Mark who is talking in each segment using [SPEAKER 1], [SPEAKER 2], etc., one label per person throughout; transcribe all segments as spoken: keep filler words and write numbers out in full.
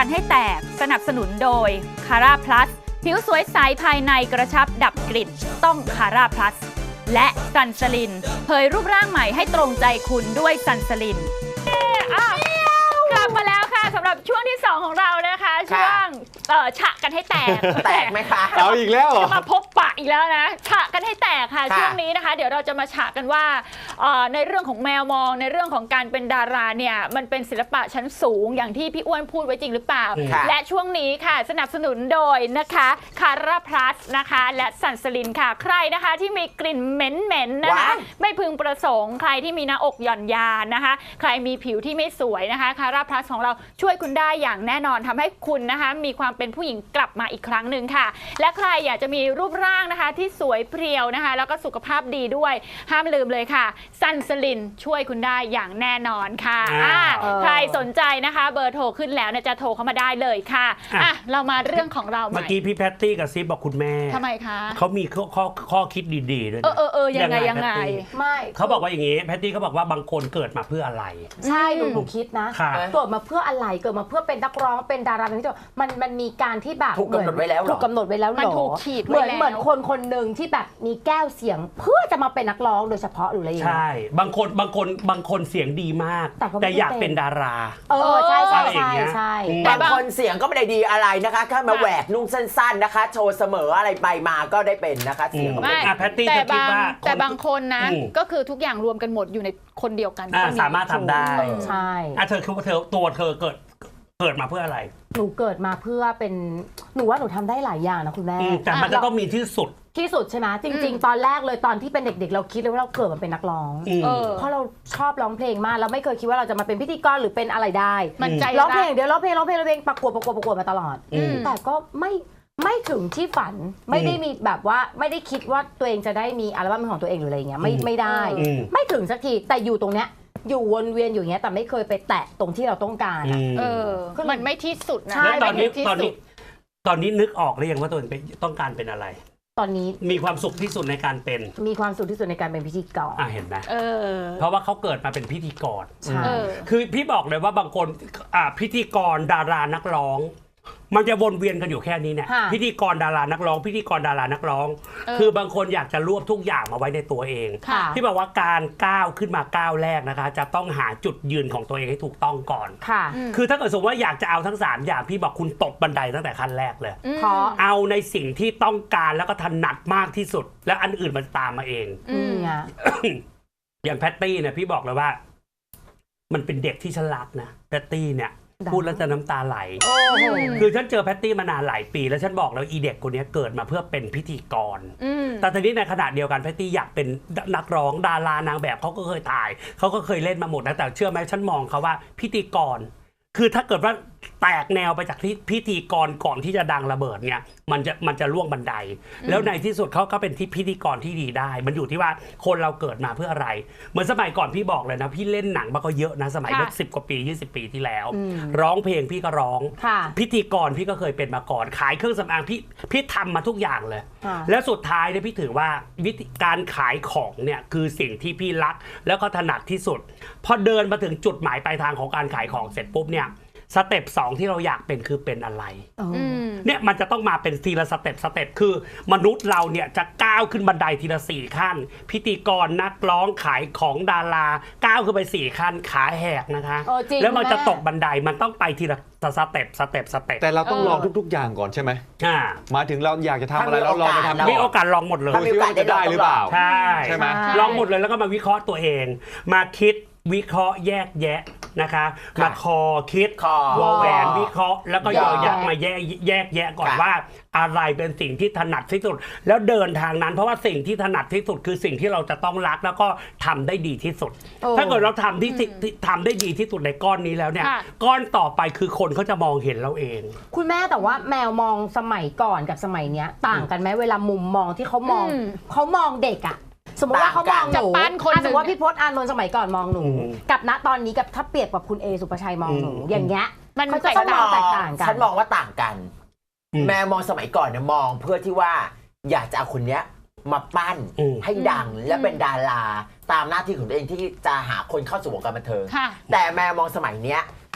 [SPEAKER 1] กันให้แตกสนับสนุนโดยคาร่าพลัสผิวสวยใสภายในกระชับดับกลิ่นต้องคาร่าพลัสและซันสลินเผยรูปร่างใหม่ให้ตรงใจคุณด้วยซันสลินกลับมาแล้วค่ะสำหรับช่วงที่สองของเรานะคะช่วงเอ่อฉะกันให้แตก
[SPEAKER 2] แตกไหมคะ
[SPEAKER 3] เอาอีกแล้วเหรอ
[SPEAKER 1] จะมาพบปะอีกแล้วนะฉะกันให้แตกค่ะช่วงนี้นะคะเดี๋ยวเราจะมาฉะกันว่าในเรื่องของแมวมองในเรื่องของการเป็นดาราเนี่ยมันเป็นศิลปะชั้นสูงอย่างที่พี่อ้วนพูดไว้จริงหรือเปล่าและช่วงนี้ค่ะสนับสนุนโดยนะคะคาร่าพลัสนะคะและซันสลินค่ะใครนะคะที่มีกลิ่นเหม็นๆนะคะไม่พึงประสงค์ใครที่มีหน้าอกหย่อนยานนะคะใครมีผิวที่ไม่สวยนะคะคาร่าพลัสของเราช่วยคุณได้อย่างแน่นอนทำให้คุณนะคะมีความเป็นผู้หญิงกลับมาอีกครั้งหนึ่งค่ะและใครอยากจะมีรูปร่างนะคะที่สวยเพรียวนะคะแล้วก็สุขภาพดีด้วยห้ามลืมเลยค่ะซันสลินช่วยคุณได้อย่างแน่นอนค่ะใครสนใจนะคะเบอร์โทรขึ้นแล้วเนี่ยจะโทรเข้ามาได้เลยค่ะอ่ะเรามาเรื่องของเราใหม่
[SPEAKER 3] เมื่อกี้พี่แพตตี้กับซิปบอกคุณแม่
[SPEAKER 1] ทำไมคะ
[SPEAKER 3] เขามีข้อข้อข้อคิดดีๆด้วย
[SPEAKER 1] เออเออเออยังไงยังไง
[SPEAKER 4] ไม่
[SPEAKER 3] เขาบอกว่าอย่างนี้แพตตี้เขาบอกว่าบางคนเกิดมาเพื่ออะไร
[SPEAKER 4] ใช่หนูหนูคิดนะเกิดมาเพื่ออะไรเกิดมาเพื่อเป็นนักร้องเป็นดาราเป็นที่มันมันมีการที่แบบ
[SPEAKER 2] ถูกกำหนดไว้แล้ว
[SPEAKER 4] ถูกกำหนดไว้แล้ว
[SPEAKER 1] มันถูกขีด
[SPEAKER 4] เหมือนเหมือนคนคนหนึ่งที่แบบมีแก้วเสียงเพื่อจะมาเป็นนักร้องโดยเฉพาะหรืออะไรอย่างเงี้ย
[SPEAKER 3] ใช่บางคนบางคนบางคนเสียงดีมากแต่อยากเป็นดารา
[SPEAKER 4] เออใช่ใช่ใช่ใช่
[SPEAKER 2] บางคนเสียงก็ไม่ได้ดีอะไรนะคะแค่มาแหวกนุ่งสั้นๆนะคะโชว์เสมออะไรไปมาก็ได้เป็นนะคะเสียงก็ไม่
[SPEAKER 3] แพตตี้
[SPEAKER 1] แต่
[SPEAKER 3] จะคิดว่า
[SPEAKER 1] แต่บางคนนะก็คือทุกอย่างรวมกันหมดอยู่ในคนเดียวกัน
[SPEAKER 3] สามารถทำได้
[SPEAKER 4] ใช่
[SPEAKER 3] อ่ะเธอคือว่าเธอตัวเธอเกิดเกิดมาเพื่ออะไร
[SPEAKER 4] หนูเกิดมาเพื่อเป็นหนูว่าหนูทำได้หลายอย่างนะคุณแม่
[SPEAKER 3] แต่มันจะต้องมีที่สุด
[SPEAKER 4] ที่สุดใช่ไหมจริงๆตอนแรกเลยตอนที่เป็นเด็กๆเราคิดเลยว่าเราเกิดมาเป็นนักร้องเพราะเราชอบร้องเพลงมากเราไม่เคยคิดว่าเราจะมาเป็นพิธีกรหรือเป็นอะไรได้
[SPEAKER 1] มันใจ
[SPEAKER 4] ร้องเพลงเดี๋ยวร้องเพลงร้องเพลงร้องเพลงประกวดประกวดประกวดมาตลอดแต่ก็ไม่ไม่ถึงที่ฝันไม่ได้มีแบบว่าไม่ได้คิดว่าตัวเองจะได้มีอัลบั้มของตัวเองหรืออะไรเงี้ยไม่ไม่ได้ไม่ถึงสักทีแต่อยู่ตรงเนี้ยอยู่วนเวียนอยู่อย่างเงี้ยแต่ไม่เคยไปแตะตรงที่เราต้องการ
[SPEAKER 1] เออมันไม่ที่สุดนะ
[SPEAKER 3] แล้วตอนนี้ตอนนี้ตอนนี้นึกออกหรือยังว่าตัวเองต้องการเป็นอะไร
[SPEAKER 4] ตอนนี้
[SPEAKER 3] มีความสุขที่สุดในการเป็น
[SPEAKER 4] มีความสุขที่สุดในการเป็นพิธีกร
[SPEAKER 3] อ่ะเห็นไหม
[SPEAKER 1] เออ
[SPEAKER 3] เพราะว่าเขาเกิดมาเป็นพิธีกร
[SPEAKER 4] ใช่
[SPEAKER 3] คือพี่บอกเลยว่าบางคนอ่ะพิธีกรดารานักร้องมันจะวนเวียนกันอยู่แค่นี้เนี่ยพิธีกรดารานักร้องพิธีกรดารานักร้องคือบางคนอยากจะรวบทุกอย่างมาไว้ในตัวเองที่บอกว่าการก้าวขึ้นมาก้าวแรกนะคะจะต้องหาจุดยืนของตัวเองให้ถูกต้องก่อนคือถ้าเกิดสมมติว่าอยากจะเอาทั้งสามอย่างพี่บอกคุณตกบันไดตั้งแต่ขั้นแรกเลย
[SPEAKER 4] เพราะ
[SPEAKER 3] เอาในสิ่งที่ต้องการแล้วก็ถนัดมากที่สุดแล้วอันอื่นมันตามมาเองอย่างแพตตี้เนี่ยพี่บอกเลยว่ามันเป็นเด็กที่ฉลาดนะแพตตี้เนี่ยพูดแล้วจะน้ำตาไหลคือฉันเจอแพตตี้มานานหลายปีแล้วฉันบอกแล้วอีเด็กคนนี้เกิดมาเพื่อเป็นพิธีกรแต่ทีนี้ในขณะเดียวกันแพตตี้อยากเป็นนักร้องดารานางแบบเขาก็เคยถ่ายเขาก็เคยเล่นมาหมดนะแต่เชื่อไหมฉันมองเขาว่าพิธีกรคือถ้าเกิดว่าแตกแนวไปจากที่พิธีกรก่อนที่จะดังระเบิดเนี่ยมันจะมันจะล่วงบันไดแล้วในที่สุดเขาก็เป็นที่พิธีกรที่ดีได้มันอยู่ที่ว่าคนเราเกิดมาเพื่ออะไรเหมือนสมัยก่อนพี่บอกเลยนะพี่เล่นหนังมาก็เยอะนะสมัยเมื่อสิบกว่าปียี่สิบปีที่แล้วร้องเพลงพี่ก็ร้องพิธีกรพี่ก็เคยเป็นมาก่อนขายเครื่องสำอางพี่พี่ทำมาทุกอย่างเลยแล้วสุดท้ายเนี่ยพี่ถือว่าวิธีการขายของเนี่ยคือสิ่งที่พี่รักแล้วก็ถนัดที่สุดพอเดินมาถึงจุดหมายปลายทางของการขายของเสร็จปุ๊บเนี่ยสเต็ปสองที่เราอยากเป็นคือเป็นอะไรเนี่ยมันจะต้องมาเป็นทีละสเต็ปสเต็ปคือมนุษย์เราเนี่ยจะก้าวขึ้นบันไดทีละสี่ขั้นพิธีกรนักร้องขายของดาราก้าวขึ้นไปสี่ขั้นขาแหกนะคะแล้วมันจะตกบันไดมันต้องไปทีละสเต็ปสเต็ปสเต็ปแต่เราต้องลองทุกๆอย่างก่อนใช่ไหมอ่ามาถึงเราอยากจะทำอะไรเราลองไปทำ
[SPEAKER 2] มี
[SPEAKER 3] โอกาสลองหมดเลย
[SPEAKER 2] มีโอกาสได้หรือเปล่า
[SPEAKER 3] ใช่ใช่ไหมลองหมดเลยแล้วก็มาวิเคราะห์ตัวเองมาคิดวิเคราะห์แยกแยะนะคะมาคอคิดวอแหวนวิเคราะห์แล้วก็ยอยักษ์มาแยกแยกแยะก่อนว่าอะไรเป็นสิ่งที่ถนัดที่สุดแล้วเดินทางนั้นเพราะว่าสิ่งที่ถนัดที่สุดคือสิ่งที่เราจะต้องรักแล้วก็ทำได้ดีที่สุดถ้าเกิดเราทำที่ทำได้ดีที่สุดในก้อนนี้แล้วเนี่ยก้อนต่อไปคือคนเขาจะมองเห็นเราเอง
[SPEAKER 4] คุณแม่แต่ว่าแมวมองสมัยก่อนกับสมัยเนี้ยต่างกันไหมเวลามุมมองที่เขามองเขามองเด็กอะสมมติว่าเขามองหนูสมมติว่าพี่พจน์อานนท์สมัยก่อนมองหนูกับณตอนนี้กับถ้าเปรียบกับคุณเอสุภชัยมองหนูอย่างเงี้ย
[SPEAKER 1] มัน
[SPEAKER 4] จะแตกต่างกัน
[SPEAKER 2] ฉันมองว่าต่างกันแม่มองสมัยก่อนเนี่ยมองเพื่อที่ว่าอยากจะเอาคนเนี้ยมาปั้นให้ดังและเป็นดาราตามหน้าที่ของตัวเองที่จะหาคนเข้าสู่วงการบันเทิงแต่แม่มองสมัยเนี้ย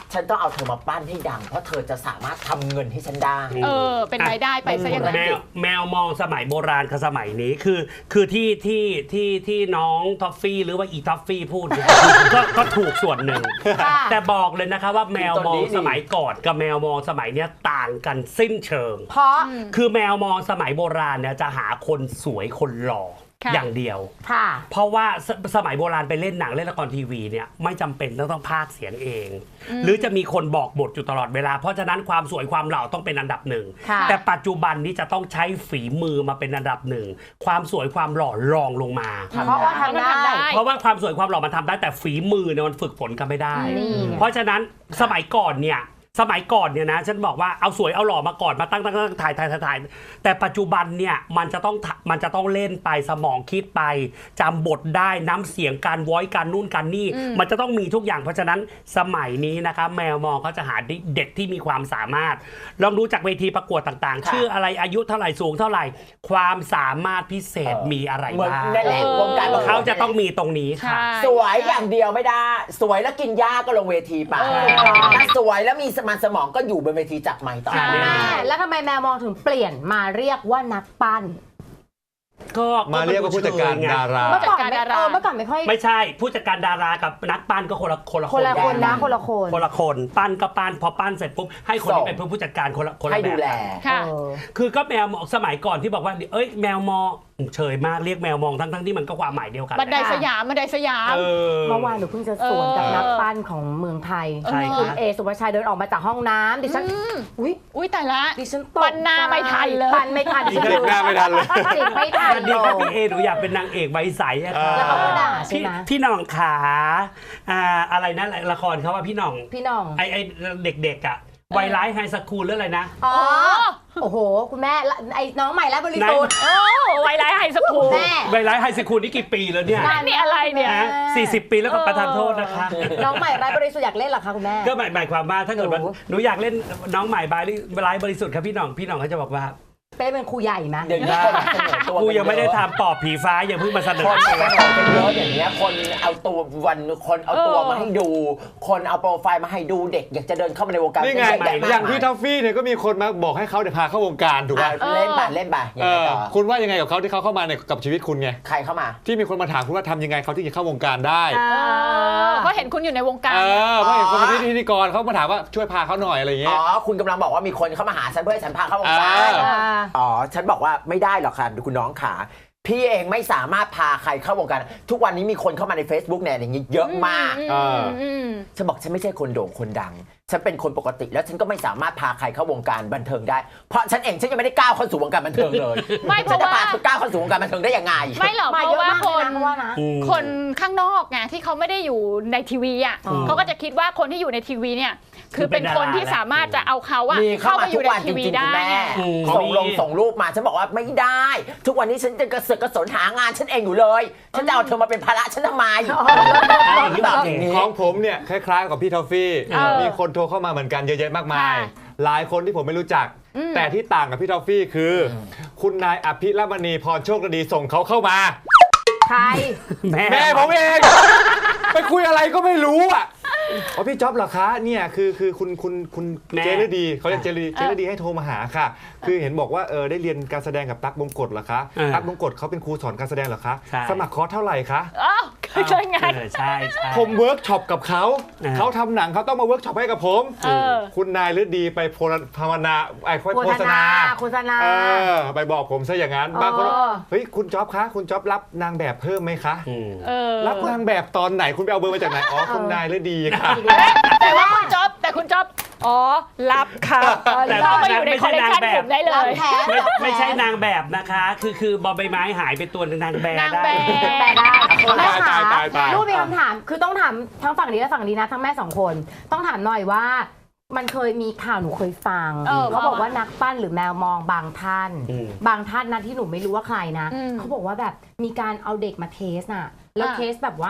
[SPEAKER 2] ฉันต้องเอาเธอมาปั้นให้ดังเพราะเธอจะสามารถทำเงินให้ฉันได้
[SPEAKER 1] เออเป็นรายได้ไปซะอย่างนั้น
[SPEAKER 3] แมวแมวมองสมัยโบราณกับสมัยนี้คือคือที่ที่ที่ที่น้องท็อฟฟี่หรือว่าอีท็อฟฟี่พูดเนี่ย ก็ก็ถูกส่วนหนึ่ง แต่บอกเลยนะคะว่าแมวมองสมัยก่อนกับแมวมองสมัยเนี้ยต่างกันสิ้นเชิง
[SPEAKER 4] เพราะ
[SPEAKER 3] คือแมวมองสมัยโบราณเนี่ยจะหาคนสวยคนหล่อ
[SPEAKER 1] ค่ะ
[SPEAKER 3] อย่างเดียว
[SPEAKER 4] ค่ะ
[SPEAKER 3] เพราะว่าสสมัยโบราณไปเล่นหนังเล่นละครทีวีเนี่ยไม่จำเป็นต้องต้องพากย์เสียงเอง หรือจะมีคนบอกบทอยู่ตลอดเวลาเพราะฉะนั้นความสวยความหล่อต้องเป็นอันดับหนึ่ง
[SPEAKER 4] ค่ะ
[SPEAKER 3] แต่ปัจจุบันนี้จะต้องใช้ฝีมือมาเป็นอันดับหนึ่งความสวยความหล่อรองลงมา
[SPEAKER 4] เพราะว่าทำได้
[SPEAKER 3] เพราะว่าความสวยความหล่อมันทำได้แต่ฝีมือเนี่ยมันฝึกฝนกันไม่ได้
[SPEAKER 4] นี่ไง
[SPEAKER 3] เพราะฉะนั้นสมัยก่อนเนี่ยสมัยก่อนเนี่ยนะฉันบอกว่าเอาสวยเอาหล่อมาก่อนมาตั้งตั้งตั้งถ่ายถ่ายถ่ายถ่ายแต่ปัจจุบันเนี่ยมันจะต้องมันจะต้องเล่นไปสมองคิดไปจำบทได้น้ำเสียงการวอยการนู่นการนี่มันจะต้องมีทุกอย่างเพราะฉะนั้นสมัยนี้นะคะแมวมองเขาจะหาเด็กที่มีความสามารถลองดูจากเวทีประกวดต่างๆ ชื่ออะไรอายุเท่าไหร่สูงเท่าไหร่ความสามารถพิเศษมีอะไร
[SPEAKER 2] เหมือน
[SPEAKER 3] บ้าง
[SPEAKER 2] นั่นแหละวงการบันเทิง
[SPEAKER 3] เขาจะต้องมีตรงนี้ค่ะ
[SPEAKER 2] สวยอย่างเดียวไม่ได้ สวยแล้วกินหญ้าก็ลงเวทีไปถ้าสวยแล้วมีสมานสมองก็อยู่บนเวทีจับไมค์ต่อ
[SPEAKER 3] ใช่
[SPEAKER 4] แม่แล้วทำไมแมวมองถึงเปลี่ยนมาเรียกว่านักปั้น
[SPEAKER 3] ก็
[SPEAKER 5] มาเรียกว่าผู้จัดการดารา
[SPEAKER 4] เมื่อก่อน
[SPEAKER 1] ผู้จัดการ
[SPEAKER 4] ไม่
[SPEAKER 1] ดารา
[SPEAKER 4] เออเมื่อก่อนไม่ค่อย
[SPEAKER 3] ไม่ใช่ผู้จัดการดารากับนักปั้นก็คนละคนละ
[SPEAKER 4] คนละคนนะ
[SPEAKER 3] กั
[SPEAKER 4] คนละคน
[SPEAKER 3] คนละคนปั้นก็ปั้นพอปั้นเสร็จปุ๊บให้คนที่
[SPEAKER 2] ส่ง
[SPEAKER 3] เป็นผู้จัดการคนละคนละ
[SPEAKER 2] ให้
[SPEAKER 3] แบ
[SPEAKER 2] ดู
[SPEAKER 3] บ
[SPEAKER 2] แล
[SPEAKER 1] ค่ะ
[SPEAKER 4] เออ
[SPEAKER 3] คือก็แมวมองสมัยก่อนที่บอกว่าเอ้ยแมวมองเฉยมากเรียกแมวมองทั้งทั้งที่มันก็ความหมายเดียวกัน
[SPEAKER 1] บันไดสยามบันไดสยาม
[SPEAKER 3] เออ
[SPEAKER 4] เมื่อวานหนูเพิ่งจะสวนกับนักปั้นของเมืองไทย
[SPEAKER 3] ใช่ครับ
[SPEAKER 4] คุณเอสุภาชัยเดินออกมาจากห้องน้ำดิฉันอุ้ย
[SPEAKER 1] อุ้ยแต่ละ
[SPEAKER 4] ดิฉันตก
[SPEAKER 1] ปั้นหน้าไม่ทันเลย
[SPEAKER 4] ปั้นไม่ทันดิฉัน
[SPEAKER 5] เด็กหน้าไม่ทันเลย
[SPEAKER 4] จิกไม่ทัน
[SPEAKER 3] สวัสดีครับพี่เอหนูอยากเป็นนางเอกใบใสอะค่ะ
[SPEAKER 4] แล้วเขาก็ด่าใช่
[SPEAKER 3] พี่
[SPEAKER 4] ไหม
[SPEAKER 3] พี่หน่องขาอ่าอะไรนะละครเขาว่าพี่หน่อง
[SPEAKER 4] พี่น้อง
[SPEAKER 3] ไอไอเด็กๆอ่ะวัยร้ายไฮสคูลหรืออะไรนะ
[SPEAKER 4] อ๋อโอ้โห คุณแม่ละไอ้น้องใหม่และบริสุทธิ์
[SPEAKER 1] โอ้ไวไลท์ไฮสคูล
[SPEAKER 4] แม่
[SPEAKER 3] วัยร้ายไฮสคูลนี่กี่ปีแล้วเนี่ย
[SPEAKER 1] นั่นนี่อะไรเนี่ย
[SPEAKER 3] นะสี่สิบปีแล้วก็ประทานโทษนะคะ
[SPEAKER 4] น้องใหม่ไร้บริสุทธิ์อยากเล่นเหรอคะคุณแม่
[SPEAKER 3] ก็หมายหมายความว่าถ้าเกิดว่า
[SPEAKER 4] โอ้
[SPEAKER 3] หนูอยากเล่นน้องใหม่บายไลฟ์บริสุทธิ์ครับพี่หน่องพี่หน่องเขาจะบอกว่า
[SPEAKER 4] เป็นเป็นครูใหญ่ไหม
[SPEAKER 2] เดี๋ยวนี้คนเสนอตัว
[SPEAKER 3] กูยังไม่ได้ทำปอบผีฟ้าอย่าเพิ่งมาเสน
[SPEAKER 2] ค
[SPEAKER 3] อน
[SPEAKER 2] เสนอกันเยอะอย่างเงี้ยคนเอาตัววันคนเอาตัว
[SPEAKER 1] เออ
[SPEAKER 2] มาให้ดู คนเอาโปรไฟล์มาให้ดูเด็กอยากจะเดินเข้ามาในวงการ
[SPEAKER 5] นี่ไง
[SPEAKER 2] เยอะแยะมกม
[SPEAKER 5] อย่างพี่ท็อฟฟี่เนี่ยก็มีคนมาบอกให้เขาเดี๋ยวพาเข้าวงการถูกไหม
[SPEAKER 2] อ่ะเล่นไปเล่นไปยัง
[SPEAKER 5] เอ
[SPEAKER 2] ไง
[SPEAKER 5] อ
[SPEAKER 2] ต่อ
[SPEAKER 5] คุณว่ายังไงกับเขาที่เขาเข้ามาในกับชีวิตคุณไง
[SPEAKER 2] ใครเข้ามา
[SPEAKER 5] ที่มีคนมาถามคุณว่าทำยังไงเขาที่จะเข้าวงการได้
[SPEAKER 4] อ่า
[SPEAKER 1] เพราะเห็นคุณอยู่ในวงการ
[SPEAKER 5] เออเพราะเห็นคนเป็นพิธีกรเขามาถามว่าช่วยพาเขาหน่อยอะไรอย่างเงี้
[SPEAKER 2] อ๋
[SPEAKER 5] ย
[SPEAKER 2] อคุณกำลังบอกว่ามีคนเข้ามาหาฉันเพื่อให้ฉันพาเข้าวงการ
[SPEAKER 5] อ่า
[SPEAKER 4] อ่า
[SPEAKER 2] อ๋อฉันบอกว่าไม่ได้หรอกค่ะคุณน้องขาพี่เองไม่สามารถพาใครเข้าวงการทุกวันนี้มีคนเข้ามาใน Facebook เนี่ยอย่างนี้เยอะมาก
[SPEAKER 1] อืมอืม
[SPEAKER 2] ฉันบอกฉันไม่ใช่คนโด่งคนดัง ฉันเป็นคนปกติแล้วฉันก็ไม่สามารถพาใครเข้าวงการบันเทิงได้ เพราะฉันเองฉันยังไม่ได้ก้าวเข้าสู่วงการบันเทิงเลย
[SPEAKER 1] ไม่เพ
[SPEAKER 2] ฉัน
[SPEAKER 1] ราะ
[SPEAKER 2] จะ
[SPEAKER 1] ว่า
[SPEAKER 2] พาเธอก้าวเข้าสู่วงการบันเทิงได้ยังไง
[SPEAKER 1] ไม่หรอก
[SPEAKER 4] มา
[SPEAKER 1] เพ
[SPEAKER 4] เย
[SPEAKER 1] ราะ
[SPEAKER 4] อะ
[SPEAKER 1] ว่าม
[SPEAKER 4] าก
[SPEAKER 1] ค
[SPEAKER 4] เลย
[SPEAKER 1] น
[SPEAKER 4] นะเพราะว่านะ
[SPEAKER 3] อืม
[SPEAKER 1] คนข้างนอกไงที่เขาไม่ได้อยู่ในทีวีอ่ะ
[SPEAKER 4] อืม
[SPEAKER 1] เขาก็จะคิดว่าคนที่อยู่ในทีวีเนี่ยคือเป็นคนที่สามารถจะเอาเขาอะ
[SPEAKER 2] มีเข้า
[SPEAKER 1] เข้า
[SPEAKER 2] มา
[SPEAKER 1] มาอ
[SPEAKER 2] ทุ
[SPEAKER 1] ยู่
[SPEAKER 2] ก
[SPEAKER 1] ใน
[SPEAKER 2] วันจ
[SPEAKER 1] ทีวี
[SPEAKER 2] ริงๆ
[SPEAKER 1] ได้
[SPEAKER 2] คุณแม่
[SPEAKER 1] ไง
[SPEAKER 3] อืม
[SPEAKER 2] ส่งลงส่งรูปมาฉันบอกว่าไม่ได้ ทุกวันนี้ฉันจะกระเสือกกระสนหางานฉันเองอยู่เลย ฉันจะเอาเธอมาเป็นภาระฉันทำไมแบบอย่างนี้
[SPEAKER 5] ของผมเนี่ยคล้ายๆกับพี่ทอฟฟี่
[SPEAKER 1] เออ
[SPEAKER 5] มีคนโทรเข้ามาเหมือนกันเยอะแยะมากมาย
[SPEAKER 1] ค่ะ
[SPEAKER 5] หลายคนที่ผมไม่รู้จัก แต่ที่ต่างกับพี่ทอฟฟี่คือ คุณนายอภิรมณีพรโชคดีส่งเขาเข้ามา
[SPEAKER 4] ใคร
[SPEAKER 3] แม่
[SPEAKER 5] แม่ผมเอง ไปคุยอะไรก็ไม่รู้อ่ะอ๋อพี่จ๊อบเหรอคะเนี่ยคือคือคุณคุณคุณเจรดีเขาเรียกเจรดีเจรดีให้โทรมาหาค่ะ คือเห็นบอกว่าเออได้เรียนการแสดงกับตั๊กบงกฎเหรอคะตั๊กบงกฎเขาเป็นครูสอนการแสดงเหรอคะสมัครคอร์สเท่าไหร่คะ
[SPEAKER 1] อ้าวใช่ไง
[SPEAKER 3] เออใช่ใช่
[SPEAKER 5] ผมเวิร์กช็อปกับเขา
[SPEAKER 3] อ่า
[SPEAKER 5] เขาทำหนังเขาต้องมาเวิร์กช็อปให้กับผม
[SPEAKER 1] เออ
[SPEAKER 5] คุณนายฤดีไปโพลภาวนาไอ้
[SPEAKER 4] โฆ
[SPEAKER 5] โฆ
[SPEAKER 4] ษ
[SPEAKER 5] ษ
[SPEAKER 4] ณา
[SPEAKER 5] ณา
[SPEAKER 4] โฆษณา
[SPEAKER 5] เออไปบอกผมซะอย่างนั้น
[SPEAKER 4] เออบ
[SPEAKER 5] างคนเฮ้ยคุณจ๊อบคะคุณจ๊อบรับนางแบบเพิ่มไหมคะ
[SPEAKER 3] อืม
[SPEAKER 1] เออ
[SPEAKER 5] รับนางแบบตอนไหนคุณไปเอาเบอร์มาจากไหนอ๋อคุณนายฤดีค่ะ
[SPEAKER 1] แต่ว่าคุณจ๊อบแต่คุณจ๊อบอ๋อรับครับ
[SPEAKER 3] แต่
[SPEAKER 1] เข้ามาอยู่ในคอลเลกชัน
[SPEAKER 3] ไม่ใช่นางแบบ
[SPEAKER 1] ผมได้เล
[SPEAKER 4] รับ
[SPEAKER 1] ย
[SPEAKER 4] แทน
[SPEAKER 3] ไม่
[SPEAKER 4] รับแทน
[SPEAKER 3] ไม่ใช่นางแบบนะคะ คือคือบอใบไม้หายไปตัวหนึ่งนางแบบ
[SPEAKER 1] นาง
[SPEAKER 3] ได้
[SPEAKER 1] แบบ
[SPEAKER 4] แม่ได้
[SPEAKER 5] ตายตายตายตาย
[SPEAKER 4] ลูกมีคำถามคือต้องถามทั้งฝั่งนี้และฝั่งนี้นะทั้งแม่สองคน ต้องถามหน่อยว่า มันเคยมีข่าวหนูเคยฟัง
[SPEAKER 1] เออ
[SPEAKER 4] เขาบอกว่านักปั้นหรือแมวมองบางท่าน
[SPEAKER 3] อืม
[SPEAKER 4] บางท่านนะที่หนูไม่รู้ว่าใครนะ
[SPEAKER 1] อืม
[SPEAKER 4] เขาบอกว่าแบบมีการเอาเด็กมาเทสน่ะแล้ว
[SPEAKER 1] อ่ะ
[SPEAKER 4] เทสแบบว่า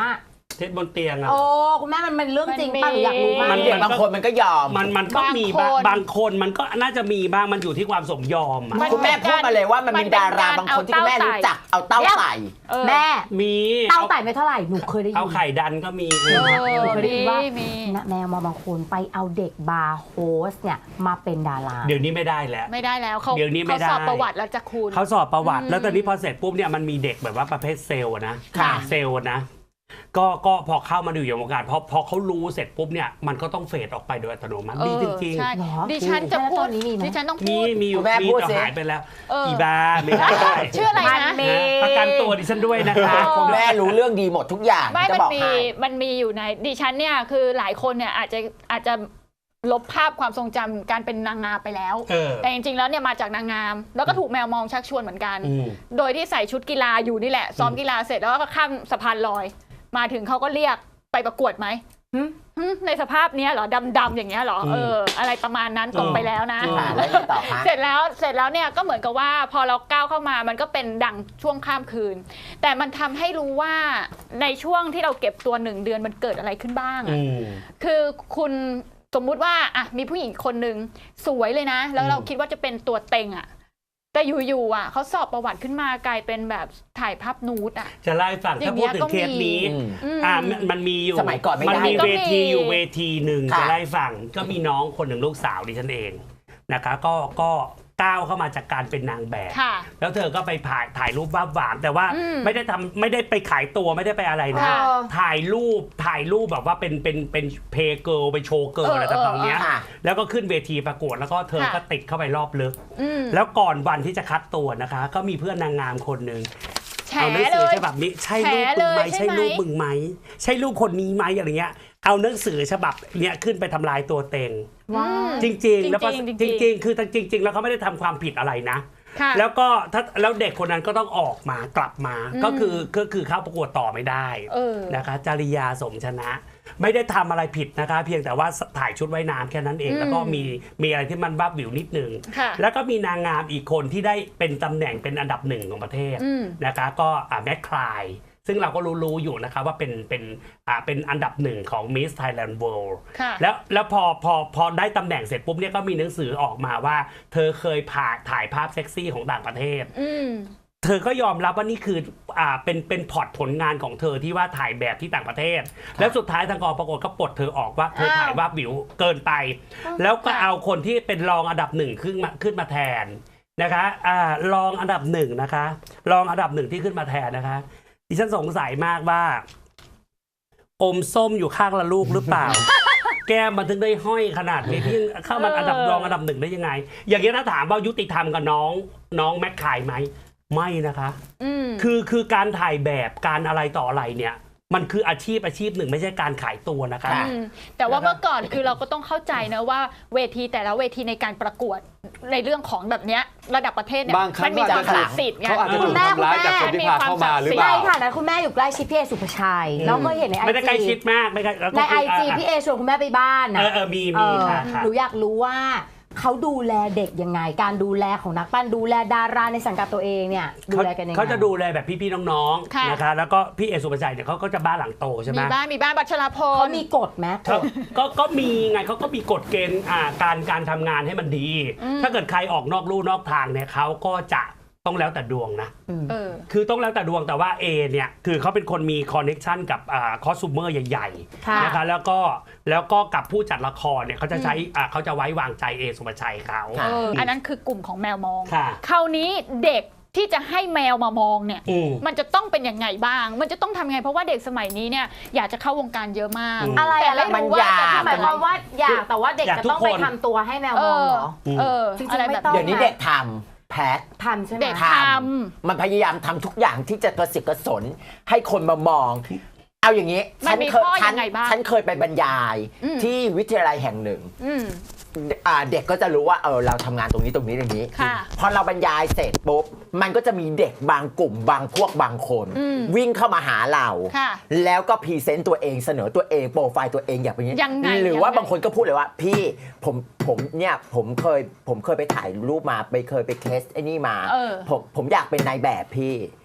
[SPEAKER 3] เท็จบนเตียงอะ
[SPEAKER 4] โอ้คุณแม่มันเป็นเรื่องจริง
[SPEAKER 1] มันมี
[SPEAKER 4] ป่ะหนูอยากรู้มาก
[SPEAKER 3] มัน
[SPEAKER 2] เด็กบางคนมันก็ยอม
[SPEAKER 3] มันมันก็มีบาง
[SPEAKER 1] บางคน
[SPEAKER 3] บางคนมันก็น่าจะมีบ้างมันอยู่ที่ความสมยอมอะ
[SPEAKER 1] มัน
[SPEAKER 2] คุณแม่พูดมาเลยว่ามันมีดาราบางคนที่คุณแม่รู้จักเอาเต้าใส่
[SPEAKER 1] เออ
[SPEAKER 4] แม่
[SPEAKER 3] มี
[SPEAKER 4] เต้าไต่ไม่เท่าไหร่หนูเคยได้ยิ
[SPEAKER 3] เอา
[SPEAKER 4] น
[SPEAKER 3] ไข่ดันก็มี
[SPEAKER 1] เออ
[SPEAKER 4] หนูเคยได้ยินว่า
[SPEAKER 1] มี
[SPEAKER 4] นะแมวมาบางคนไปเอาเด็กบาร์โฮสเนี่ยมาเป็นดารา
[SPEAKER 3] เดี๋ยวนี้ไม่ได้แล้ว
[SPEAKER 1] ไม่ได้แล้วเขา
[SPEAKER 3] เดี๋ยวนี้ไม่
[SPEAKER 1] เขา
[SPEAKER 3] ได้
[SPEAKER 1] สอบประวัติแล้วจะคุณ
[SPEAKER 3] เขาสอบประวัติ
[SPEAKER 1] อืม
[SPEAKER 3] แล้วตอนนี้พอเสร็จปุ๊บเนี่ยมันมีเด็กแบบว่าประเภทเซลล์อะนะ
[SPEAKER 2] ค่ะ
[SPEAKER 3] เซลล์อะนะก็ก็พอเข้ามาดูอยู่วงการพอพอเขารู้เสร็จปุ๊บเนี่ยมันก็ต้องเฟดออกไปโดยอัตโนมัติ
[SPEAKER 1] เอ
[SPEAKER 3] มี
[SPEAKER 1] อ
[SPEAKER 3] จริง
[SPEAKER 1] ใช่
[SPEAKER 4] เหรอ
[SPEAKER 1] ดิฉันจะ
[SPEAKER 4] แล้ว
[SPEAKER 1] พู
[SPEAKER 4] ต
[SPEAKER 1] ด
[SPEAKER 4] อนนี้มีไหม
[SPEAKER 1] ดิฉันต้อง
[SPEAKER 3] ๆมี
[SPEAKER 1] พูด
[SPEAKER 3] มีอยู่
[SPEAKER 2] คุณแม่
[SPEAKER 3] มี
[SPEAKER 2] พูด
[SPEAKER 3] แต่
[SPEAKER 2] สิ
[SPEAKER 3] หายไปแล้ว
[SPEAKER 1] เอออี
[SPEAKER 3] อีบาไม่ได้
[SPEAKER 1] ชื่ออะไรนะ
[SPEAKER 4] มันมี
[SPEAKER 3] นะประกันตัวดิฉันด้วยนะคะ
[SPEAKER 2] คุณแม่รู้เรื่องดีหมดทุกอย่าง
[SPEAKER 1] ไม่
[SPEAKER 2] จะ
[SPEAKER 1] มัน
[SPEAKER 2] บอก
[SPEAKER 1] มี
[SPEAKER 2] ให้
[SPEAKER 1] มันมีอยู่ในดิฉันเนี่ยคือหลายคนเนี่ยอาจจะอาจจะลบภาพความทรงจำการเป็นนางงามไปแล้ว
[SPEAKER 3] เออ
[SPEAKER 1] แต่จริงๆแล้วเนี่ยมาจากนางงาม แล้วก็ถูกแมวมองชักชวนเหมือนกัน
[SPEAKER 3] อืม
[SPEAKER 1] โดยที่ใส่ชุดกีฬาอยู่นี่แหละ ซ้อมกีฬาเสร็จแล้วก็ข้ามสะพานลอย มาถึงเขาก็เรียกไปประกวดไหม
[SPEAKER 4] หึ
[SPEAKER 1] หึในสภาพเนี้ยเหรอดำๆอย่างเงี้ยเหรอ
[SPEAKER 3] อืม
[SPEAKER 1] เอออะไรประมาณนั้นตก
[SPEAKER 3] อืม
[SPEAKER 1] ไปแล้วนะ
[SPEAKER 2] ค่ะแล้วยังไงต่อคะ
[SPEAKER 1] เสร็จแล้วเสร็จแล้วเนี่ยก็เหมือนกับว่าพอเราก้าวเข้ามามันก็เป็นดังช่วงข้ามคืน แต่มันทำให้รู้ว่าในช่วงที่เราเก็บตัวหนึ่งเดือนมันเกิดอะไรขึ้นบ้างอะ
[SPEAKER 3] อืม
[SPEAKER 1] คือคุณสมมุติว่าอ่ะมีผู้หญิงคนหนึ่งสวยเลยนะ แล้วเรา
[SPEAKER 3] อืม
[SPEAKER 1] คิดว่าจะเป็นตัวเต็งอ่ะ แต่อยู่ๆอ่ะเขาสอบประวัติขึ้นมากลายเป็นแบบถ่ายภาพนูดอ่ะ
[SPEAKER 3] จะเล่าให้ฟัง
[SPEAKER 1] อย่า
[SPEAKER 3] ถ้าง พู
[SPEAKER 1] เงี้
[SPEAKER 3] ด
[SPEAKER 1] ย
[SPEAKER 3] ถึงเคสนี้
[SPEAKER 2] อืม
[SPEAKER 1] อืม
[SPEAKER 3] อ่ามันมันมีอยู่
[SPEAKER 2] สมัยก่อนไม่ได้
[SPEAKER 3] มันมี
[SPEAKER 1] ก็
[SPEAKER 3] เว
[SPEAKER 1] มี
[SPEAKER 3] ทีอยู่เวทีหนึ่ง
[SPEAKER 2] ค่ะ
[SPEAKER 3] จะไล่ฟังก็มีน้องคนหนึ่งลูกสาวดิฉันเองนะคะก็ก็ก้าวเข้ามาจากการเป็นนางแบบ
[SPEAKER 1] ค่ะ
[SPEAKER 3] แล้วเธอก็ไปถ่ายถ่ายรูปบ้าหวานแต่ว่า
[SPEAKER 1] อืม
[SPEAKER 3] ไม่ได้ทำไม่ได้ไปขายตัวไม่ได้ไปอะไรนะ
[SPEAKER 1] ค่ะ
[SPEAKER 3] ถ่ายรูปถ่ายรูปแบบว่าเป็นเป็นเป็นเพย์เกิลไปโชว์เกิล
[SPEAKER 1] เออ
[SPEAKER 3] อะไรต่างๆเนี้ย
[SPEAKER 2] ค่ะ
[SPEAKER 3] แล้วก็ขึ้นเวทีประกวดแล้วก็เธอ
[SPEAKER 1] ค่ะ
[SPEAKER 3] ก็ติดเข้าไปรอบลึก
[SPEAKER 1] อืม
[SPEAKER 3] แล้วก่อนวันที่จะคัดตัวนะคะ ก็มีเพื่อนนางงามคนหนึ่ง
[SPEAKER 1] แฉ
[SPEAKER 3] เอาหนัง
[SPEAKER 1] เล
[SPEAKER 3] สือย ฉบับนี้ใช่รูปมึงไหม
[SPEAKER 1] แฉเลยใช่
[SPEAKER 3] ใช่
[SPEAKER 1] ไหม
[SPEAKER 3] รูปมึงไหมใช่รูปคนนี้ไหมอะไรเงี้ยเอาหนังสือฉบับเนี้ยขึ้นไปทำลายตัวเต็ง
[SPEAKER 4] ว้าว
[SPEAKER 3] จริง ๆ แล้วก็
[SPEAKER 1] จริงๆ
[SPEAKER 3] จริง ๆ คือจริง ๆ แล้วเขาไม่ได้ทำความผิดอะไรนะ
[SPEAKER 1] ค่ะ
[SPEAKER 3] แล้วก็ถ้าแล้วเด็กคนนั้นก็ต้องออกมากลับมา
[SPEAKER 1] อืม
[SPEAKER 3] ก็คือก็คือเข้าประกวดต่อไม่ได้
[SPEAKER 1] เออ
[SPEAKER 3] นะคะจริยาสมชนะ ไม่ได้ทำอะไรผิดนะคะ เพียงแต่ว่าถ่ายชุดว่ายน้ำแค่นั้นเอง
[SPEAKER 1] อืม
[SPEAKER 3] แล้วก็มีมีอะไรที่มันบ้าบิ่วนิดนึง
[SPEAKER 1] ค่ะ
[SPEAKER 3] แล้วก็มีนางงามอีกคนที่ได้เป็นตำแหน่งเป็นอันดับหนึ่งของประเทศ
[SPEAKER 1] อืม
[SPEAKER 3] นะคะก็อ่าแมทคลายซึ่งเราก็รู้ๆอยู่นะคะว่าเป็นเป็นอ่าเป็นอันดับหนึ่งของ Miss Thailand World
[SPEAKER 1] ค่ะ
[SPEAKER 3] แล้วแล้วพอพอพอได้ตำแหน่งเสร็จปุ๊บเนี่ยก็มีหนังสือออกมาว่า เธอเคยผ่าถ่ายภาพเซ็กซี่ของต่างประเทศ
[SPEAKER 1] อืม
[SPEAKER 3] เธอก็ยอมรับว่านี่คืออ่าเป็นเป็นพอร์ตผลงานของเธอที่ว่าถ่ายแบบที่ต่างประเทศ แล้วสุดท้ายทางกองประกวดก็ปลดเธอออกว่าเธอ
[SPEAKER 1] อ้าว
[SPEAKER 3] ถ่ายว่าบิวเกินไป แล้วก็
[SPEAKER 1] ค่ะ
[SPEAKER 3] เอาคนที่เป็นรองอันดับหนึ่งขึ้นมาขึ้นมาแทนนะคะอ่ารองอันดับหนึ่งนะคะรองอันดับหนึ่งที่ขึ้นมาแทนนะคะดิฉันสงสัยมากว่า อมส้มอยู่ข้างละลูกหรือเปล่า แก้มมันถึงได้ห้อยขนาดนี้พี่ยังเข้ามาอันดับรองอันดับหนึ่งได้ยังไง อย่างนี้ถ้าถามว่ายุติธรรมกับน้องน้องแม็กขายไหมไม่นะคะ
[SPEAKER 1] อืม
[SPEAKER 3] คือคือการถ่ายแบบการอะไรต่ออะไรเนี่ย มันคืออาชีพอาชีพหนึ่งไม่ใช่การขายตัวนะคะ
[SPEAKER 2] ค่ะ
[SPEAKER 1] อืมแต่ว่าเมื่อก่อนคือเราก็ต้องเข้าใจนะว่าเวทีแต่ละเวทีในการประกวดในเรื่องของแบบเนี้ยระดับประเทศเนี่ย
[SPEAKER 5] บางครั้
[SPEAKER 1] มั
[SPEAKER 5] ง
[SPEAKER 1] มี
[SPEAKER 5] ก็
[SPEAKER 1] ค
[SPEAKER 5] อาจ
[SPEAKER 1] วาม
[SPEAKER 5] จะ
[SPEAKER 1] ศักดิ์สิทธิ์ไง
[SPEAKER 5] เขาอาจจะ
[SPEAKER 4] คุ
[SPEAKER 5] ถู
[SPEAKER 4] ณ
[SPEAKER 5] ก
[SPEAKER 4] แม่
[SPEAKER 5] ทำร้ายจาก
[SPEAKER 1] คุ
[SPEAKER 5] คน
[SPEAKER 1] ณแม่
[SPEAKER 5] ที่พาเข้ามาหรือเป
[SPEAKER 4] ใน
[SPEAKER 5] ล่า
[SPEAKER 4] ฐานะคุณแม่อยู่ใกล้ชิดพี่เอสุภาชัยเราก็เห็นในไอ
[SPEAKER 3] ไม่ได้ใกล้ชิ
[SPEAKER 4] จี
[SPEAKER 3] ดมากไม่ใกล้แล้ว
[SPEAKER 4] ใน
[SPEAKER 3] ก็
[SPEAKER 4] ไอ
[SPEAKER 3] คือ
[SPEAKER 4] จี
[SPEAKER 3] อ่ะ
[SPEAKER 4] พี่เอชวนคุณแม่ไปบ้าน
[SPEAKER 3] เอ
[SPEAKER 4] นะ
[SPEAKER 3] อเออมี
[SPEAKER 4] เอ
[SPEAKER 3] มี
[SPEAKER 4] อ
[SPEAKER 3] ค่ะค่ะ
[SPEAKER 4] หนูอยากรู้ว่าเขาดูแลเด็กยังไง การดูแลของนักปั้นดูแลดาราในสังกัดตัวเองเนี่ยดู
[SPEAKER 3] เขา
[SPEAKER 4] แลกันยังไง
[SPEAKER 3] เขาจะดูแลแบบพี่ๆน้อง
[SPEAKER 1] ค่ะ
[SPEAKER 3] ๆนะคะแล้วก็พี่เอสุภาชัยเนี่ยเขาก็จะบ้านหลังโตใช่ไหม
[SPEAKER 1] มีบ้านมีบ้านบัชรพ
[SPEAKER 4] เขา
[SPEAKER 1] ล
[SPEAKER 4] มีกฎไหมก
[SPEAKER 3] เขา
[SPEAKER 4] ฎ
[SPEAKER 3] ก็ก็มีไงเขาก็มีกฎเกณฑ์อ่าการการทำงานให้มันดี
[SPEAKER 1] อืม
[SPEAKER 3] ถ้าเกิดใครออกนอกลู่นอกทางเนี่ยเขาก็จะต้องแล้วแต่ดวงนะ
[SPEAKER 1] เออ
[SPEAKER 3] คือต้องแล้วแต่ดวงแต่ว่า A เนี่ยคือเขาเป็นคนมีคอนเน็ชันกับอ่าคอสตูเมอร์ใหญ่
[SPEAKER 4] ค่ะ
[SPEAKER 3] ๆนะคะแล้วก็แล้วก็กับผู้จัดละครเนี่ยเขาจะใช้อ่าเขาจะไว้วางใจเอสุภาชัยเขา
[SPEAKER 2] ค่ะ
[SPEAKER 1] เอออันนั้นคือกลุ่มของแมวมอง
[SPEAKER 3] ค่ะ
[SPEAKER 1] คราวนี้เด็กที่จะให้แมวมามองเนี่ย
[SPEAKER 3] อืม
[SPEAKER 1] มันจะต้องเป็นยังไงบ้าง มันจะต้องทำยังไงเพราะว่าเด็กสมัยนี้เนี่ยอยากจะเข้าวงการเยอะมาก
[SPEAKER 3] อืม
[SPEAKER 4] อะไร
[SPEAKER 1] แต่
[SPEAKER 4] อะไร
[SPEAKER 1] ไม่
[SPEAKER 2] มัน
[SPEAKER 1] รู้ว่า
[SPEAKER 2] อยาก
[SPEAKER 1] จะ
[SPEAKER 4] ห
[SPEAKER 1] ทำ
[SPEAKER 4] มาย
[SPEAKER 1] อะไร
[SPEAKER 4] ความว่าอยากแต่ว่าเด็ก
[SPEAKER 3] อยาก
[SPEAKER 4] จะ
[SPEAKER 3] ทุก
[SPEAKER 4] ต้องไป
[SPEAKER 3] คน
[SPEAKER 4] ทำตัวให้แมว
[SPEAKER 1] เอ
[SPEAKER 4] มอง
[SPEAKER 1] อ
[SPEAKER 4] เหรอ
[SPEAKER 1] เออ
[SPEAKER 4] จริงๆ
[SPEAKER 1] อะไร
[SPEAKER 4] ไม่
[SPEAKER 1] แบบ
[SPEAKER 4] ต้อง
[SPEAKER 2] เดี๋ยวนี้เด็กทำแพท
[SPEAKER 4] ทำใช่ไหม
[SPEAKER 1] เด็ก
[SPEAKER 2] ท
[SPEAKER 1] ท
[SPEAKER 2] มันพยายามทำทุกอย่างที่จะกระสิกกระสนให้คนมามอง เอาอย่างนี้
[SPEAKER 1] มันมี
[SPEAKER 2] เคย
[SPEAKER 1] ข้อ
[SPEAKER 2] ฉั
[SPEAKER 1] ยังไงบ้าง
[SPEAKER 2] ฉันเคยไปบรรยาย
[SPEAKER 1] อืม
[SPEAKER 2] ที่วิทยาลัยแห่งหนึ่ง
[SPEAKER 1] ำอืม
[SPEAKER 2] อ่าเด็กก็จะรู้ว่าเออเราทำงานตรงนี้ตรงนี้ตรงนี้
[SPEAKER 1] ค่ะ
[SPEAKER 2] พอเราบรรยายเสร็จปุ๊บมันก็จะมีเด็กบางกลุ่มบางพวกบางคน
[SPEAKER 1] อืม
[SPEAKER 2] วิ่งเข้ามาหาเรา
[SPEAKER 1] ค่ะ
[SPEAKER 2] แล้วก็พรีเซนต์ตัวเองเสนอตัวเองโปรไฟล์ตัวเองอย่างนี้
[SPEAKER 1] ยังไง
[SPEAKER 2] หรือว่า
[SPEAKER 1] ยังไง
[SPEAKER 2] บางคนก็พูดเลยว่า พี่ผมผมเนี่ยผมเคยผมเคยไปถ่ายรูปมาไปเคยไปเคสไอ้นี่มา
[SPEAKER 1] เออ
[SPEAKER 2] ผมผมอยากเป็นนายแบบพี่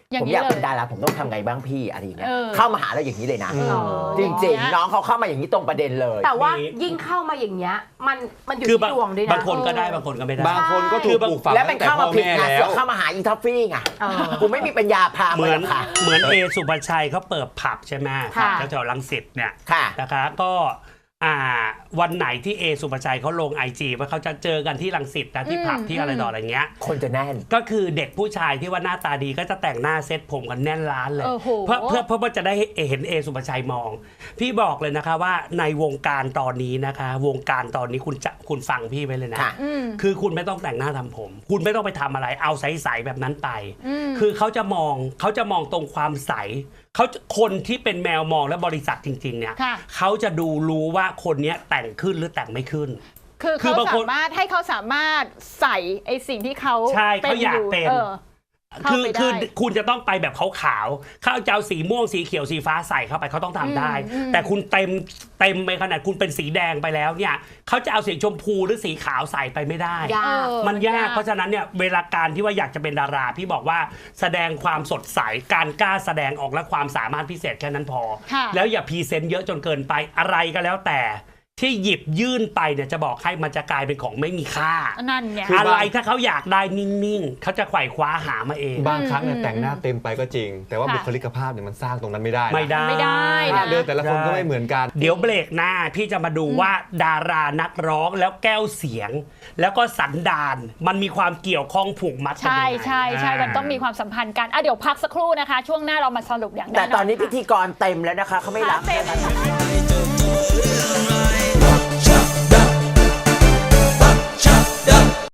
[SPEAKER 1] อย่าง
[SPEAKER 2] ผม
[SPEAKER 1] นี้
[SPEAKER 2] อยาก
[SPEAKER 1] เล
[SPEAKER 2] เป็น
[SPEAKER 1] ย
[SPEAKER 2] ดาราผมต้องทำไงบ้างพี่อะไรอย่างเงี้ย
[SPEAKER 1] เออ
[SPEAKER 2] เข้ามาหาเราอย่างนี้เลยนะ
[SPEAKER 5] อืม
[SPEAKER 4] เออ
[SPEAKER 2] จริงๆน้องเขาเข้ามาอย่างนี้ตรงประเด็นเลย
[SPEAKER 4] แต่ว่า
[SPEAKER 3] มี
[SPEAKER 4] ยิ่งเข้ามาอย่างเงี้ยมันมันอยู่
[SPEAKER 3] คือ
[SPEAKER 4] ที่
[SPEAKER 3] บาง
[SPEAKER 4] ดวงด้วยนะ
[SPEAKER 3] บางคนก็ได้บางคนก็ไม่ได้
[SPEAKER 5] บางคนก็ถูกปลูกฝัง
[SPEAKER 2] แล้วมัน
[SPEAKER 5] ตั้งแต่
[SPEAKER 2] เข้า
[SPEAKER 5] พ่
[SPEAKER 2] มา
[SPEAKER 5] อ
[SPEAKER 2] ผิด
[SPEAKER 5] แม่
[SPEAKER 2] ไง
[SPEAKER 5] แล้
[SPEAKER 2] เสื
[SPEAKER 5] ว
[SPEAKER 2] อกเข้ามาหาอีทัฟฟี่ไง
[SPEAKER 4] เออ
[SPEAKER 2] กูไม่มีปัญญาพา
[SPEAKER 3] เห
[SPEAKER 2] ไป
[SPEAKER 3] มื
[SPEAKER 2] ห
[SPEAKER 3] อ
[SPEAKER 2] ร
[SPEAKER 3] น
[SPEAKER 2] อกค่ะ
[SPEAKER 3] เหมือนเอสุภาชัยเขาเปิดผับใช่ไหม
[SPEAKER 4] ค่ะ
[SPEAKER 3] แถวๆรังสิตเนี่ย
[SPEAKER 2] ค่ะ
[SPEAKER 3] นะคะก็อ่าวันไหนที่เอสุภาชัยเขาลงไอจีว่าเขาจะเจอกันที่รังสิตนะที่ผับ
[SPEAKER 1] อืม
[SPEAKER 3] ที่อะไรต่ออะไรเงี้ย
[SPEAKER 2] คนจะแน่น
[SPEAKER 3] ก็คือเด็กผู้ชายที่ว่าหน้าตาดีก็จะแต่งหน้าเซ็ตผมกันแน่นร้านเลย
[SPEAKER 1] โอ้โห
[SPEAKER 3] เพื่อเพื่อเพื่อว่าจะได้เห็นเอสุภาชัยมอง พี่บอกเลยนะคะว่าในวงการตอนนี้นะคะ วงการตอนนี้คุณจะคุณฟังพี่ไว้เลยนะ
[SPEAKER 2] ค่ะ
[SPEAKER 1] อืม
[SPEAKER 3] คือคุณไม่ต้องแต่งหน้าทำผม คุณไม่ต้องไปทำอะไรเอาใสๆแบบนั้นไป
[SPEAKER 1] อืม
[SPEAKER 3] คือเขาจะมองเขาจะมองตรงความใสเขาจะคนที่เป็นแมวมองและบริษัทจริงๆเนี่ย
[SPEAKER 1] ค่ะ
[SPEAKER 3] เขาจะดูรู้ว่าคนเนี้ยแต่งขึ้นหรือแต่งไม่ขึ้น
[SPEAKER 1] คือ
[SPEAKER 3] คือ
[SPEAKER 1] เขา
[SPEAKER 3] บางคน
[SPEAKER 1] สามารถให้เขาสามารถใส่ไอสิ่งที่เขา
[SPEAKER 3] ใช่เขาอยากเป็น
[SPEAKER 1] ออเข้า
[SPEAKER 3] คือ
[SPEAKER 1] ไปได้
[SPEAKER 3] คือคุณจะต้องไปแบบขาวๆเขาจะเอาสีม่วงสีเขียวสีฟ้าใส่เข้าไปเขาต้องทำได้
[SPEAKER 1] อืมอืม
[SPEAKER 3] แต่คุณเต็มเต็มไปขนาดคุณเป็นสีแดงไปแล้วเนี่ยเขาจะเอาสีชมพูหรือสีขาวใส่ไปไม่ได้
[SPEAKER 4] ยาก
[SPEAKER 1] เออ
[SPEAKER 3] มันยากเพราะฉะนั้นเนี่ยเวลาการที่ว่าอยากจะเป็นดาราพี่บอกว่าแสดงความสดใสการกล้าแสดงออกและความสามารถพิเศษแค่นั้นพอ
[SPEAKER 1] ค่ะ
[SPEAKER 3] แล้วอย่าพรีเซนต์เยอะจนเกินไปอะไรก็แล้วแต่ที่หยิบยื่นไปเนี่ยจะบอกให้มันจะกลายเป็นของไม่มีค่า
[SPEAKER 1] นั่นไง
[SPEAKER 5] คือ
[SPEAKER 3] อะไรถ้าเขาอยากได้นิ่งๆเขาจะไขว่คว้าหามาเอง
[SPEAKER 5] บางครั้งเนี่ยแต่งหน้าเต็มไปก็จริง แต่ว่า
[SPEAKER 1] ค่ะ
[SPEAKER 5] บุคลิกภาพเนี่ยมันสร้างตรงนั้นไม่ได้นะ
[SPEAKER 3] ไม่ได้
[SPEAKER 1] ไม่ได้
[SPEAKER 5] ท่า
[SPEAKER 1] นะ
[SPEAKER 5] เดินแต่ละคนก็ไม่เหมือนกัน
[SPEAKER 3] เดี๋ยวเบรกหน้าพี่จะมาดูว่าดารานักร้องแล้วแก้วเสียง แล้วก็สันดานมันมีความเกี่ยวข้องผูกมัดกัน
[SPEAKER 1] ใช่
[SPEAKER 3] ยังไง
[SPEAKER 1] ใช่ใช่
[SPEAKER 3] า
[SPEAKER 1] มันต้องมีความสัมพันธ์กันอ่ะเดี๋ยวพักสักครู่นะคะ ช่วงหน้าเรามาสรุปอย่างแน่น
[SPEAKER 2] แต่
[SPEAKER 1] อน
[SPEAKER 2] ตอนนี้
[SPEAKER 1] ค่ะ
[SPEAKER 2] พิธีกรเต็มแล้วนะคะเขาไม่รับ
[SPEAKER 1] เต็ม
[SPEAKER 2] นะคะ